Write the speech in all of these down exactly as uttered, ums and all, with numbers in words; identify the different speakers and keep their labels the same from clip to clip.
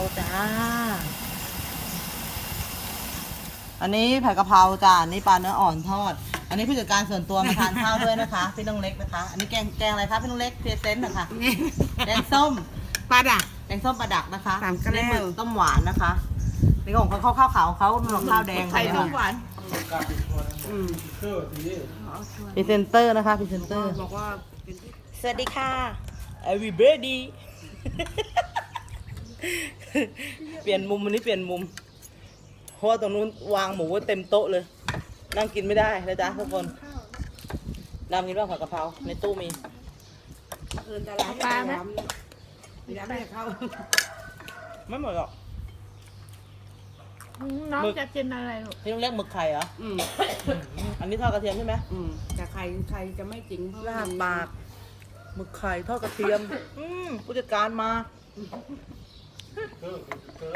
Speaker 1: จ้าอันนี้ผัดกะเพราจ้าอันนี้ปลาเนื้ออ่อนทอดอันนี้ผู้จัดการส่วนตัวมาทานข้าวด้วยนะคะพี่น้องเล็กนะคะอันนี้แกงแกงอะไรคะพี่น้องเล็กเพรเซนต์นะคะแกงส้ม
Speaker 2: ปลาดัก
Speaker 1: แกงส้มปลาดักนะคะ
Speaker 2: สามกระแล้
Speaker 1: นี่
Speaker 2: ว
Speaker 1: หมึกต้มหวานนะคะนี่ของเขาข้าวข้าวขาวเขาหมึกข้าวแดง
Speaker 2: ไข่ต้มหวาน
Speaker 3: อืมเชื่อทีนี้
Speaker 1: พรีเซนเตอร์นะคะพรีเซนเตอร์
Speaker 2: บอกว่าเป็นที่
Speaker 1: สวัสดีค่ะ everybody เปลี่ยนมุมวันนี้เปลี่ยนมุมเพราะว่าตรงนู้นวางหมูไว้เต็มโต๊ะเลย นั่งกินไม่ได้นะจ๊ะทุกคนดำกินบ้างผัดกะเพราในตู้มี
Speaker 2: เอินตลาดปลาไหมย้ำให้เขา
Speaker 1: ไม่หมดหรอก
Speaker 4: น้อง
Speaker 1: หมึก
Speaker 4: จะกินอะไรลูก
Speaker 1: พี่ต้องเรียกหมึกไข่เหรอ
Speaker 2: อืม
Speaker 1: อันนี้ทอดกระเทียมใช่ไหม
Speaker 2: อืมแต่ใครใครจะไม่จริงเพราะ
Speaker 1: ลา
Speaker 2: ว่า
Speaker 1: บปากหมึกไข่ทอดกระเทียม อืมผู้จัดการมา
Speaker 3: เชื่อเชื่อ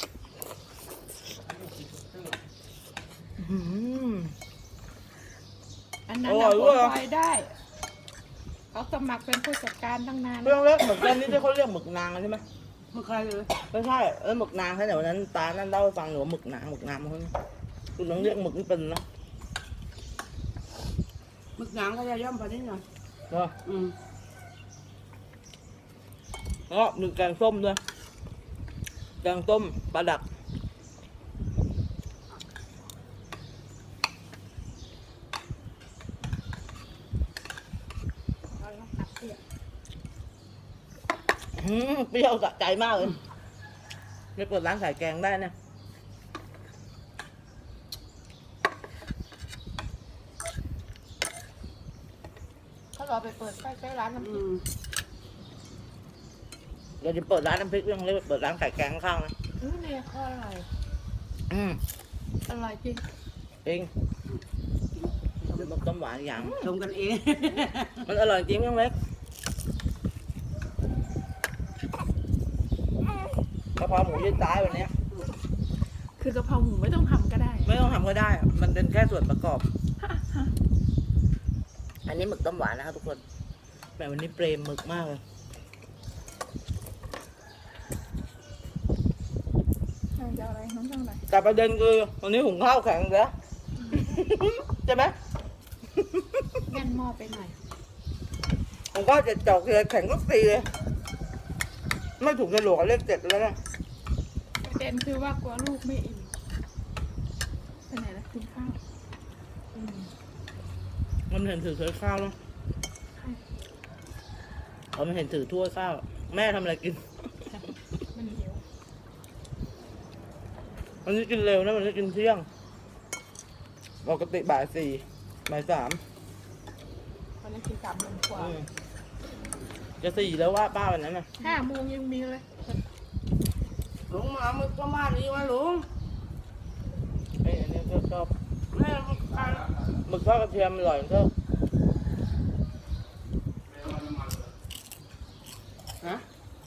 Speaker 1: อืม
Speaker 4: อันนั้น
Speaker 1: อร่
Speaker 4: เรา
Speaker 1: อยด้วย
Speaker 4: คอยได้เขาสมัครเป็นผู้จัดการตั้งนาน
Speaker 1: พี่ต้องเรียกหมึกอันนี้ที่เขาเรียกหมึกนางใช่ไหม
Speaker 2: เมื่อใครเลย
Speaker 1: ไม่ใช่เออหมึกนางใช่แต่วันนั้นตานั่นเล่าให้ฟังหนูว่าหมึกนางหมึกนางมันคุณต้องเรียกหมึกนี่เป็นนะ
Speaker 2: มึกหนังก็จะย่อมพอนิดหน่อย
Speaker 1: เนาะ
Speaker 2: อืม
Speaker 1: แล้วก็มีแกงส้มด้วยแกงส้มปลาดักอืมเปรี้ยวสะใจมากเลยไม่เปิดร้านขายแกงได้นะ
Speaker 4: เขารอไปเปิดใกล้ๆร้านน้ำพ
Speaker 2: อื
Speaker 4: ริก
Speaker 2: ม
Speaker 1: เดี๋ยวจะเปิดร้านน้ำพริกเรื่องเล็กเปิดร้านขายแกงข้างๆนะ
Speaker 4: อืมเนี่ยเขาอร่อย
Speaker 1: อืม
Speaker 4: อร่อยจริง
Speaker 1: เองเดี๋ยวมันต้มหวานอีกอย่าง
Speaker 2: ชมกันเอง
Speaker 1: มันอร่อยจริงเรื่องเล็กกะเพราหมูยืดซ้ายวันเนี้ย
Speaker 4: คือกะเพราหมูไม่ต้องทำก็ได้
Speaker 1: ไม่ต้องทำก็ได้ มันเป็นแค่ส่วนประกอบ อันนี้หมึกต้มหวานนะครับทุกคนแต่วันนี้เปรมหมึกมากเลย
Speaker 4: จะอะไรน้องจะอะไร
Speaker 1: แต่ประเด็นคือวันนี้หุงข้าวแข็งแล้ว ใช่ไหม
Speaker 4: แน่นหม้อไปหน่อย
Speaker 1: หุงข้าวเจ็ดจอกเลยแข็งทุกทีเลย ไม่ถูกในหลวงเลขเจ็ดแล้วนะ
Speaker 4: ประเด็นคือว่ากลัวลูกไม่อิ่มไปไหนแล้วกินข้าวอืม
Speaker 1: มันเห็นถือถ้วยข้าวแล้วเขาไม่เห็นถือถ้วยข้าว แม่ทำอะไรกิน
Speaker 4: มันหิว
Speaker 1: วันนี้กินเร็วนะวันนี้กินเที่ยงปกติบ่ายสี่บ่ายสาม
Speaker 4: วันนี้กินสามโมงกว่า
Speaker 1: อืมจะสี่แล้วว่าป้าวันนั้นน่ะ
Speaker 4: ห้าโมงยังมีเลย
Speaker 2: ลุงมาเอามึกประมาณนี้มาลุง
Speaker 1: ไอ้ยอันนี้ก็ชอบ
Speaker 2: แม่มึกไข่
Speaker 1: หมึกทอดกระเทียมอร่อยก็
Speaker 2: ฮะ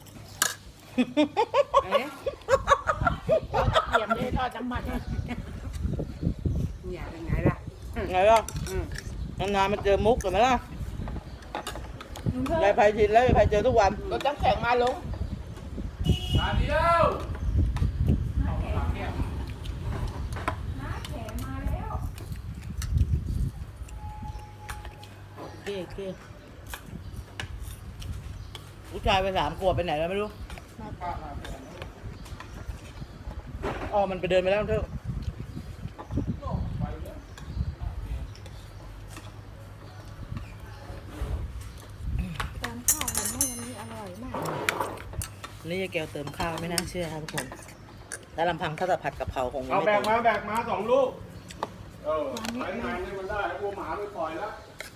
Speaker 2: เอ๊ะ
Speaker 4: เตรียมได้ทอดน้ำมัน
Speaker 2: เนี่ยเป็นไงล่ะ
Speaker 1: ไงล่ะ
Speaker 2: อืม
Speaker 1: นานๆมาเจอมุกกันไหมล่ะ
Speaker 4: ลุงเพิ่
Speaker 1: ยาย
Speaker 4: ม
Speaker 1: ไพชินแล้วยายไพเจอทุกวัน
Speaker 4: รถน้ำแข็งมาลง
Speaker 3: มาเดียว
Speaker 1: เก้เก้ผู้ชายไปสามขวบไปไหนแล้วไม่รู้อ๋อมันไปเดินไปแล้วเถอะ
Speaker 4: ตอนข้าวเห็นว่าวันนี้อร่อยมาก
Speaker 1: นี่ยายแก้วเติมข้าวไม่น่าเชื่อครับทุกคนแล้วลำพังถ้าจะผัดกะเพราคงยัง
Speaker 3: เอา
Speaker 1: ไม่
Speaker 3: แบ
Speaker 1: เติ
Speaker 3: ก
Speaker 1: ม
Speaker 3: มาแบกมาสองลูก เออไปงานนี่มันได้แล้ววัวหมาไปปล่อยแล้ว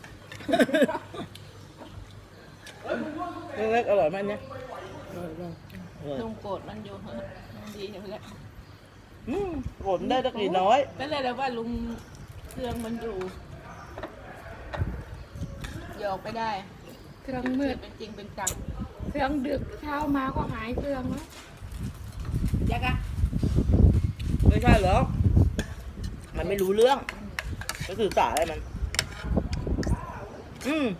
Speaker 1: เล็กๆอร่อยไหมอันเนี่ยอร่อยมากอร่อย
Speaker 4: ลุงโกรธมันอยู่เหอะมันดีอยู่แล้ว
Speaker 1: อืมผลได้ตักกี่น้อย
Speaker 4: ก็เลยแล้วว่าลุงเครื่องมันอยู่หยอกไปได้ เครื่องมืดเป็นจริงเป็นจังเครื่องดึกเช้ามาก็หายเครื่องแล้วยักษ์อะ
Speaker 1: ไม่ใช่เหรอ มันไม่รู้เรื่องก็สื่อสารอะไรมัน อืม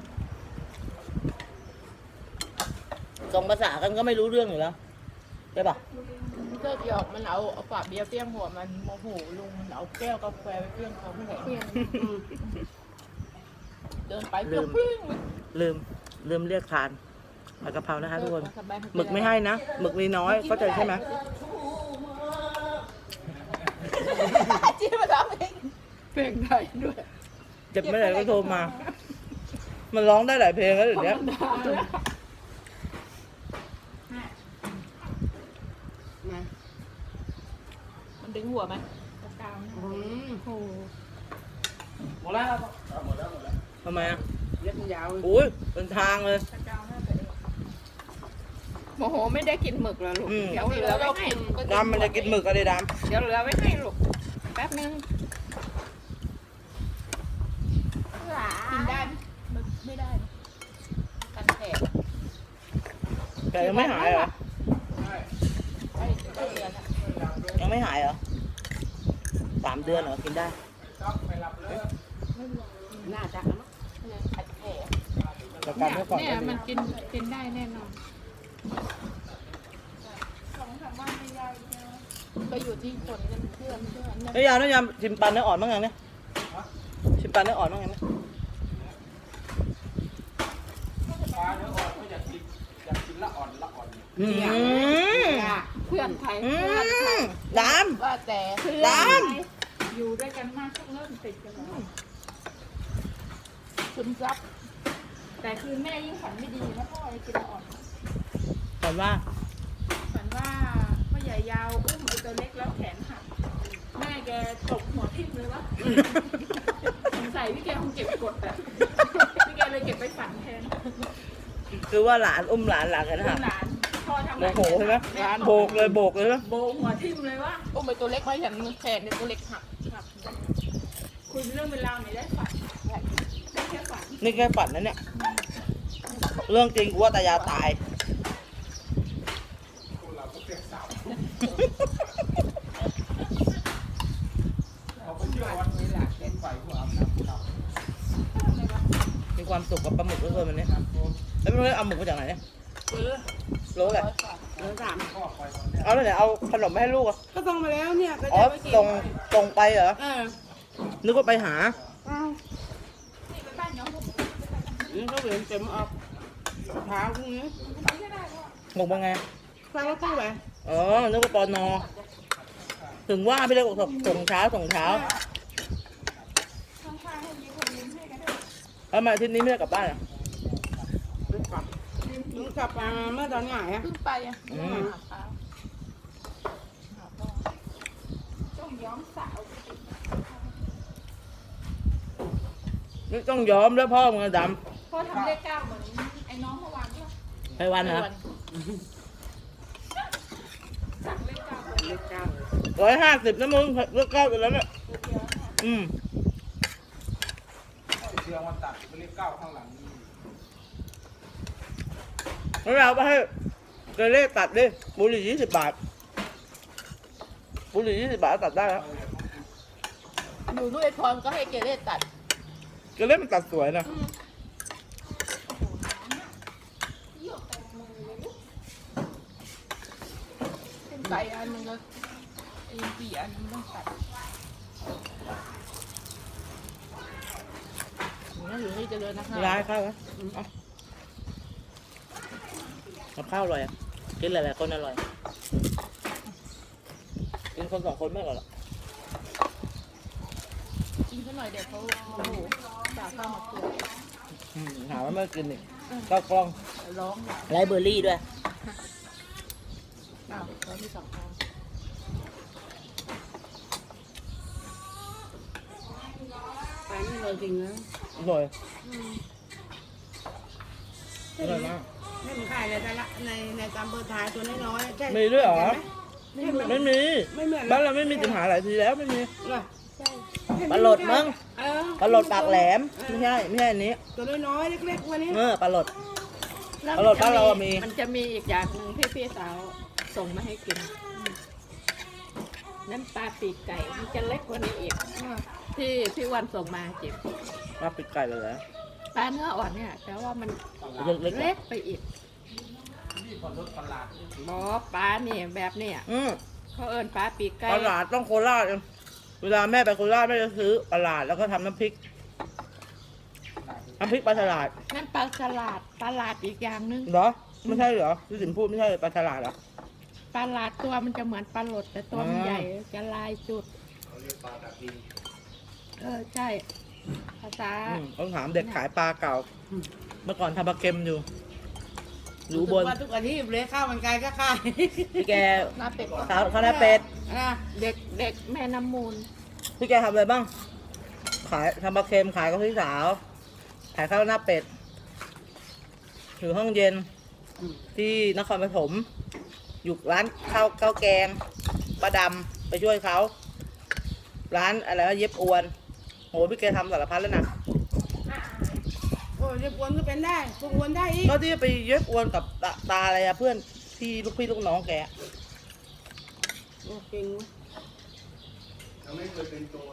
Speaker 1: ส่งภาษากันก็ไม่รู้เรื่องอยู่แล้วใช่ปะ
Speaker 4: รเลิกหยอกมันเอาเอาฝาเบียร์เปี้ยงหัวมันโมโหลุงมันเอาแก้วกาแฟไปเปี้ยงเขาไม่ไหนเปี้ยงเดินไปเปี้ยงปิ้ง
Speaker 1: ลืมลืมเรียกทานผัดกะเพรานะคะทุกคนหมึกไม่ให้นะหมึกมีน้อยเข้าใจใช่ไหม
Speaker 4: จี้มาทำเองเพลงไทยด้วย
Speaker 1: เจ็บไม่ไหนก็โทรมา มันร้องได้หลายเพลงแล้วเดี๋ยวนี้
Speaker 2: มา
Speaker 4: มันดึงหัวไหม
Speaker 2: อืม
Speaker 4: โอ้
Speaker 1: หมดแล้วหมดแล้วหมดแล้วทำไมอ่ะ
Speaker 2: เล็บมันยาว
Speaker 1: อุ้ยเป็นทางเลย
Speaker 4: โมโหไม่ได้กินหมึกแล้วลูก
Speaker 1: อืม
Speaker 4: เดี๋ยวเหลือไว้ให้
Speaker 1: ดำมันจะกินหมึกอะไรด
Speaker 4: เดี๋ยวเหลือไว้ให้ลูกแป๊บนึงกินได้ไหมหมึกไม่ได้กันแผล
Speaker 1: ำแต่ยังไม่หายเหรอ
Speaker 4: ไอ้เจ้าเดือนอะ
Speaker 1: ยังไม่หายเหรอสามเดือนเหรอกินได้
Speaker 2: น่าจะนะ
Speaker 4: ขัดแผล
Speaker 1: แต่การเมื่อก่อน
Speaker 4: เนี่ย
Speaker 1: ก็
Speaker 4: มั
Speaker 1: ดี
Speaker 4: นกินกินได้แน่นอนก็อยู่ที่คนกันเพื่อนเพื่อน
Speaker 1: น้ำยาน้ำยาชิมปันเนื้ออ่อนบ้างยังเนี่ยชิมปันเนื้ออ่อนบ้างยังเนี่ย
Speaker 3: ปลาเนื้ออ่อนก็อยากกินอยากกินละอ่อนละอ่อน
Speaker 1: อืม
Speaker 4: เพื่อนไทย
Speaker 1: อื
Speaker 4: เพื่อนไทย
Speaker 1: มด
Speaker 4: ว่าแต่
Speaker 1: ำด
Speaker 4: อยู่ด้วยกันมากก็เริ่มติดกันแล้วซึมซับแต่คือแม่ยิ่งฝันไม่ดีนะพ่อไอ้กินอ่อน
Speaker 1: ำแต่ว่า
Speaker 4: ฝันว่าพ่อใหญ่ยาวอุ้มไอ้ตัวเล็กแล้วแขนหักแม่แกตกหัวทิ่มเลยวะสงสัยพี่แกคงเก็บกดอะพี่แกเลยเก็บไปฝันแทน
Speaker 1: คือว่าหลานอุ้มหลานหลานกันนะ
Speaker 4: ห
Speaker 1: ฮะ
Speaker 4: ลานพ่อทำ
Speaker 1: โมโหใช่ไหมโบกเลยโบกเลยนะ
Speaker 4: โบหัวทิ่มเลยวะอุ้มไปตัวเล็กไม่ฉันแขนเนี่ยตัวเล็กหักหักคุยเรื่องเป็นราวไหนได้ฝันได้แค่ฝัน
Speaker 1: นี่แค่ฝันนะเนี่ยเรื่องจริงกูว่าตายาตาย
Speaker 3: เอาไปเที่ยววัดนี้แหละเล่นไฟหัวอาบน้ำเรา
Speaker 1: มีความสุขกับปลาหมึกเหลือเกินวันนี้แล้วไม่รู้เอาหมึกมาจากไหนเนี่ยรู้แหละ
Speaker 2: เนื้อสาม
Speaker 3: พ่อไปตอนเนี้ย
Speaker 1: เอาแล้วไหนเอาขนมมาให้ลูกอ่ะ
Speaker 2: ก็ส่งมาแล้วเนี่ยก็
Speaker 1: อ๋อ
Speaker 2: จะไปกิน
Speaker 1: ส่งส่งไปเหรอ
Speaker 2: เออ
Speaker 1: นึกว่าไปหา
Speaker 2: อ้าวนี่ก็เหลือเต็มออกเท้าพรุ่งนี้
Speaker 1: หมกเป็นไง
Speaker 2: ฟังรถตู้ไป
Speaker 1: อ๋อนึกว่าปอนอถึงว่าพี่เล็กบอกส่งเช้าส่งเช้าแล้วมาอาทิตย์นี้ไม่ได้กลับบ้านเหรอ
Speaker 2: กลับมึงกลับมาเมื่อตอนไหนอ่ะ
Speaker 4: ขึ้นไปอ่ะ
Speaker 1: อืม
Speaker 4: หาเท้าหาพ่อต้องย้อมสาว
Speaker 1: นี่ต้องยอมแล้วพ่อมึงอะด
Speaker 4: พ่อทำเลขเก้าเหมือนไอ้น้องเมื่อวานใช่ไหม
Speaker 1: ำไปวันนะ
Speaker 4: สั่งเลขเก้า
Speaker 2: เล็กเก้า
Speaker 1: ร้อยห้าสิบนะมึงเลิกเก้าไปแล้วเนี่ยอืม
Speaker 3: เชื่อมันตัดไปเรียกเก้าข้างหลังนี่
Speaker 1: แล้วเราไปให้เกเรตัดดิบุหรี่ยี่สิบบาทบุหรี่ยี่สิบบาทตัดได้แล้ว
Speaker 4: อยู่ด้วยพรก็ให้เกเรตัด
Speaker 1: เกเรมันตัดสวยนะ
Speaker 4: เป็นไก่อันนึงก็ไอ้สี่อันนึงต้องตัดนี่อยู่ที่เจริญนะคะ
Speaker 1: ร้ายข้าวไหมเอากับข้าวอร่อยอ่ะกินหลายๆคนอร่อยกินคนสองคนไม่อร่อยหรอก
Speaker 4: กินซะหน่อยเดี๋ยวเขาโอ้โหด่าข้าวมาเกลือ
Speaker 1: อืมหาว่าไม่กินอีกก็กล้อง
Speaker 4: ร้องอ่ะ
Speaker 1: ไรเบอร์รี่ด้วย
Speaker 4: อ้าวเขามีสองอัน
Speaker 2: ไปไม่เลยจริงนะ
Speaker 1: อร่อยอร่อยมาก
Speaker 2: ไม่มีใครเลยแต่ละในในตามเบอร์ท้ายตัวน้อยๆใช่
Speaker 1: มีด้วยเหรอ
Speaker 2: ไม่เหมือน
Speaker 1: ไม่มี
Speaker 2: ไม่เหมือน
Speaker 1: บ้านเราไม่มีปัญหาหลายทีแล้วไม่มี
Speaker 2: เหรอ
Speaker 1: ปลาโหลดมั้ง
Speaker 2: เออ
Speaker 1: ปลาโหลดปากแหลมไม่ใช่ไม่ใช่อันนี้
Speaker 2: ตัวน้อยๆเล็กๆวันนี้
Speaker 1: เออปลาโหลด
Speaker 4: แล้ว
Speaker 1: อร่อยบ้านเราอะมี
Speaker 4: มันจะมีอีกอย่างหนึ่งที่พี่สาวส่งมาให้กินนั่นปลาปีกไก่มันจะเล็กกว่านี้อีกที่พี่วันส่งมาเจ็บ
Speaker 1: มาปิดไก่เลยเหรอ
Speaker 4: ปลาเนื้ออ่อนเนี่ย แต่ว่ามัน
Speaker 1: เล็กๆ
Speaker 4: เล็
Speaker 1: อะ
Speaker 4: กไปอีก
Speaker 3: นี่คนรถประหลาด
Speaker 4: บอปลาเนี่ยแบบเนี่ย
Speaker 1: อืม
Speaker 4: เขาเอิญปลาปีกไก่
Speaker 1: ปลาหลาดต้องโคราชเองเวลาแม่ไปโคราชแม่จะซื้อปลาหลาดแล้วก็ทำน้ำพริกน้ำพริกปลาฉลาด
Speaker 4: นั่นปลาฉลาดปลาหลาดอีกอย่างนึง
Speaker 1: เหรอไม่ใช่เหรอที่สินพูดไม่ใช่ปลาฉลาดเหรอ
Speaker 4: ปลาหลาดตัวมันจะเหมือนปลาหลดแต่ตัวมัน
Speaker 1: อ่า
Speaker 4: ใหญ่จะลายจุด
Speaker 3: เขาเรียกปลาตะพี
Speaker 4: เออใช่ภาษา
Speaker 1: อืมต้องถามเด็กขายปลาเก่า เมื่อก่อนทำปลาเค็มอยู่อยู่บน
Speaker 2: ว่าทุกอาทิตย์เลยข้าวมันไก่ก็ขาย
Speaker 1: พี่แก
Speaker 4: หน้าเป็ด
Speaker 1: ข้าวข้าวหน้าเป็ด
Speaker 2: อ่ะ
Speaker 4: เด็กเด็กแม่น้ำมูล
Speaker 1: พี่แกทำอะไรบ้าง ขายทำปลาเค็มขายกับพี่สาว ขายข้าวหน้าเป็ดอยู่ห้องเย็น ที่นครปฐมอยู่ร้านข้าวข้าวแกงป้าดำไปช่วยเขาร้านอะไรวะเย็บอวนโหพี่แกทำสารพัดแล้วนะ
Speaker 2: โอ้ยเรียบวนก็เป็นได้พวกวนได้อีก
Speaker 1: ก็ที่ไปเย็บอวนกับตาตาอะไรอะเพื่อนที่ลูกพี่ลูกน้องแก
Speaker 2: โอ้เก่งเว้ย
Speaker 3: ยังไม่เคยเป็นโจร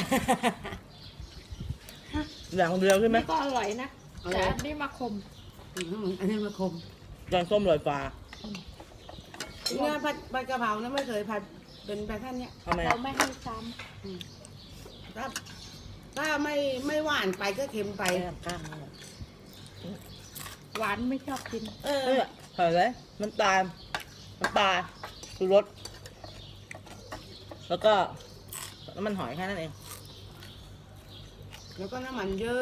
Speaker 1: อย่างเดียวใช่ไหม
Speaker 4: นี่ก็อร่อยนะแต่อันนี่มาคม
Speaker 2: อืมอันนี้มาคม
Speaker 1: แกงส้มลอยฟ้า
Speaker 2: เนี่ยผัดผัดกะเพรานะไม่เคยผัดเป็นแบบท่านเนี้ย
Speaker 1: ทำไม
Speaker 4: เรา
Speaker 1: อะ
Speaker 4: ไม่ให้ซ้
Speaker 2: ถ้าถ้าไม่ไม่หวานไปก็เค็มไป
Speaker 1: ไปข้างๆนั่นแหละ
Speaker 4: ำหวานไม่ชอบกิน
Speaker 2: เออ
Speaker 1: เนี่ยใส่เลยน้ำตาลน้ำปลาชูรสแล้วก็น้ำมันหอยแค่นั้นเอง
Speaker 2: แล้วก็น้ำมันเยอะ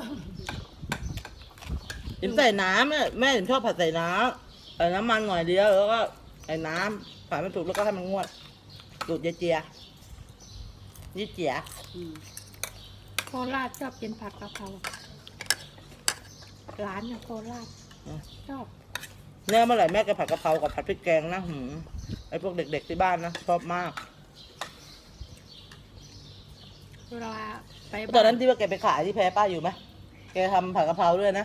Speaker 1: ถิมใส่น้ำเนี่ยแม่ถิมชอบผัดใส่น้ำใส่น้ำมันหน่อยเดียวแล้วก็ใส่น้ำผัดมันสุกแล้วก็ให้มันงวดดูดเจียๆยี่เจีย
Speaker 2: อืม
Speaker 4: โคราชชอบกินผัดกะเพราร้านเนี่ยโคราชชอบ
Speaker 1: เนี่ยเมื่อไหร่แม่จะผัดกะเพรากับผัดพริกแกงนะหืมไอพวกเด็กๆที่บ้านนะชอบมาก
Speaker 4: เวลาไป
Speaker 1: ตอนนั้นที่ว่าแกไปขายที่แพรป้าอยู่ไหมแกทำผัดกะเพราด้วยนะ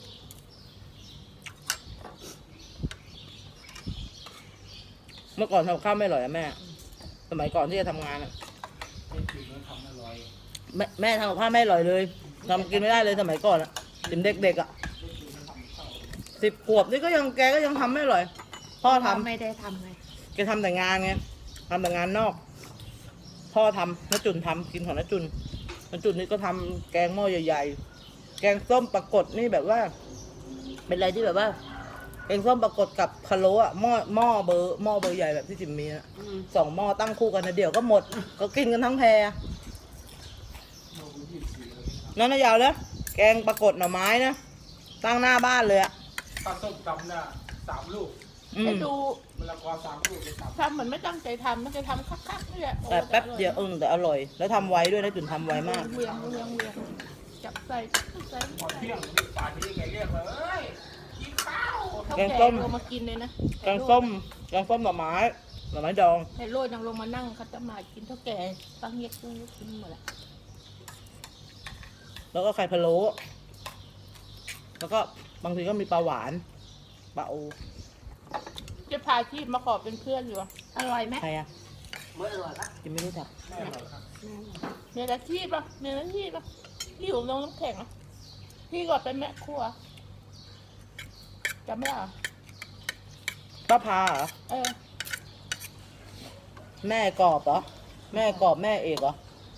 Speaker 1: เมื่อก่อนทำข้าวไม่อร่อยอะแม่ สมัยก่อนที่จะทำงานอะ
Speaker 3: เป็นจริงแล้วทำอร่อย
Speaker 1: แม่แม่ทำกับข้าวไม่อร่อยเลยทำกินไม่ได้เลยสมัยก่อนอะถึงเด็กๆอะสิบขวบนี่ก็ยังแกก็ยังทำไม่อร่อย พ่อทำ
Speaker 4: ไม่ได้ทำไง
Speaker 1: แกทำแต่งานไงทำแต่งานนอก พ่อทำน้าจุนทำกินของน้าจุนน้าจุนนี่ก็ทำแกงหม้อใหญ่ๆ แกงส้มปรากฏนี่แบบว่า เป็นอะไรที่แบบว่า แกงส้มปรากฏกับพะโล้อะหม้อหม้อเบอร์หม้อเบอร์ใหญ่แบบที่จิมมีอะ
Speaker 2: อืม
Speaker 1: สองหม้อตั้งคู่กันนะเดี๋ยวก็หมด ก็กินกันทั้งแพรนั่นนะยาวเลยแกงปรากฏหน่อไม้นะตั้งหน้าบ้านเลยอะ
Speaker 3: ปลาส้มตำน่ะสามลูก
Speaker 1: อื
Speaker 4: ไป
Speaker 1: ม
Speaker 4: ดู
Speaker 3: มะละกอสามลูกไปตำ
Speaker 4: ทำเหมือนไม่ตั้งใจทำมันจะทำคักๆนี่แหละ
Speaker 1: แต่แป๊บเดียวเออแต่อร่อย แล้วทำไวด้วยนะจุนทำไวมาก
Speaker 4: เวียงเวียงเวียงจับใส่ใส่
Speaker 3: พอเที่ยงนี่ป่านนี้แกเรียกเลยเอ้ยกินข้าว
Speaker 4: เขา
Speaker 1: แก
Speaker 4: แก
Speaker 1: งส้ม
Speaker 4: ลงมากินเลยนะ
Speaker 1: แกงส้มแกงส้มหน่อไม้หน่อไม้ดอง
Speaker 4: ในโรยยังลงมานั่งเขาจะมากินเท่าแก่ตั้งเย็กตั้งเย็กกินหมดแหละ
Speaker 1: แล้วก็ไข่พะโล้แล้วก็บางทีก็มีปลาหวานปลาโอ
Speaker 4: จะพาชีพมาขอเป็นเพื่อนอยู่อะอร่อยไหม
Speaker 1: ใครอะ
Speaker 2: ไม่อร่อยละ
Speaker 1: กินไม่รู้จัก
Speaker 3: แม่อร่อยครับ
Speaker 4: เมียอาชีพอะเมียอาชีพอะที่อยู่ลงน้ำแข็งอะพี่ก็เป็นแม่ครัวจำไม่ได้เหรอ
Speaker 1: ป้าพาเหรอ
Speaker 4: เออ
Speaker 1: แม่กรอบเหรอแม่กรอบแม่เอกเหรอ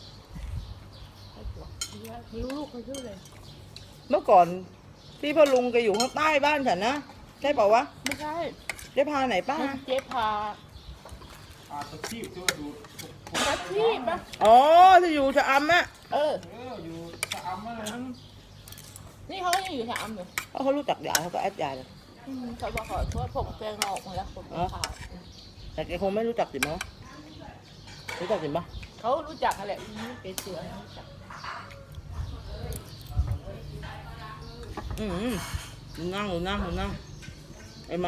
Speaker 4: ไม่รู้ลูกเขาชื่อเลย
Speaker 1: เมื่อก่อนที่พ่อลุงแกอยู่ข้างใต้บ้านฉันนะใช่เปล่าวะ
Speaker 4: ไม่ใช่
Speaker 1: เจ๊พาไหนป้า
Speaker 4: มันเจ๊พา
Speaker 3: ปลาตะพีบที่ว่าดู
Speaker 4: อาชีพอะ
Speaker 1: อ๋อที่อยู่ชะอำอะ
Speaker 4: เออ
Speaker 3: เอออยู่ชะอำอะไร
Speaker 4: อืมนี่เขาก็ยังอยู่แถวอำอยู่
Speaker 1: เพราะเขารู้จักยายเขาก็แอดยายเลย
Speaker 4: อืมเขาบอกขอโทษผมแปลงออกมาแล้วผม
Speaker 1: อ๋อ
Speaker 4: ขาว
Speaker 1: แต่แกคงไม่รู้จักจิ๋มมั้งรู้จักจิ๋มปะ
Speaker 4: เขารู้จักอะไรนี่เป็นเสือรู้จัก
Speaker 1: อืมดูนั่งดูนั่งดูนั่งไอหมา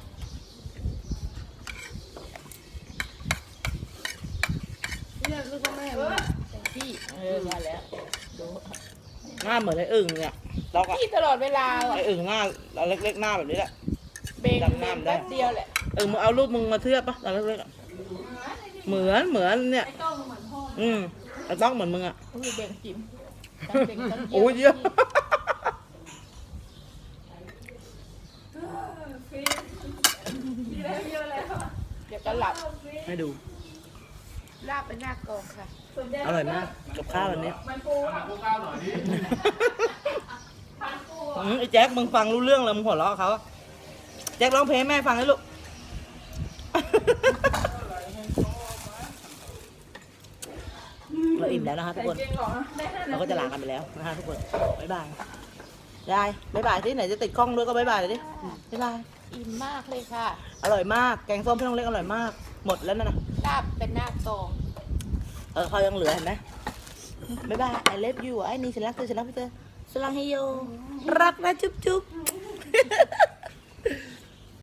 Speaker 2: เรียกลูกว่าแม่มัน
Speaker 4: แต่พี่เออมาแล้วดู
Speaker 1: หน้าเหมือนไออึ่งเนี่ยล็อกอะ
Speaker 4: พี่ตลอดเวลา
Speaker 1: ไออึ่งหน้าเล็กๆหน้าแบบนี้แหละ
Speaker 4: เบง
Speaker 1: จำหน้ามันได้
Speaker 4: แป๊บเดียวแหละ
Speaker 1: เออมึงเอารูปมึงมาเทียบปะตอนเล็กๆอะเหมือนเหมือนเนี่ย
Speaker 4: ไอ้ต้องเหมือนพ่อ
Speaker 1: อืมไอ้ต้องเหมือนมึงอะ
Speaker 4: อุ้ยเบงจิ๋มตั้งเบงตั้ง
Speaker 1: โอ้ยเยอะ
Speaker 4: เดี๋ยวก็หลับ
Speaker 1: ให้ดู
Speaker 4: ลาบเป็นหน้ากองค่ะ
Speaker 1: อร่อยมากกับข้าววันนี้
Speaker 4: มันปู
Speaker 3: เอามาพวกข้าวหน่อยดิ
Speaker 1: อืมไอ้แจ็คมึงฟังรู้เรื่องแล้วมึงหัวเราะเขาแจ็คร้องเพลงให้แม่ฟังให้ลูก เราอิ่มแล้วนะคะทุกคน
Speaker 4: จริงเหรอได้ห้า
Speaker 1: เราก็จะลากันไปแล้วนะคะทุกคน บ๊ายบายยายบ๊ายบายที่ไหนจะติดกล้องด้วยก็บ๊ายบายเลยดิ บ๊ายบาย
Speaker 4: อิ่มมากเลยค่ะ
Speaker 1: อร่อยมาก แกงส้มพี่น้องเล็กอร่อยมาก หมดแล้วนะนะ
Speaker 4: ลาบเป็นหน้ากอง
Speaker 1: เออเขายังเหลือเห็นไหมบ๊ายบาย I love you ไอ้นี่ฉันรักเธอฉันรักพี่เธอสลังให้โยรักนะจุ๊บจุ๊บ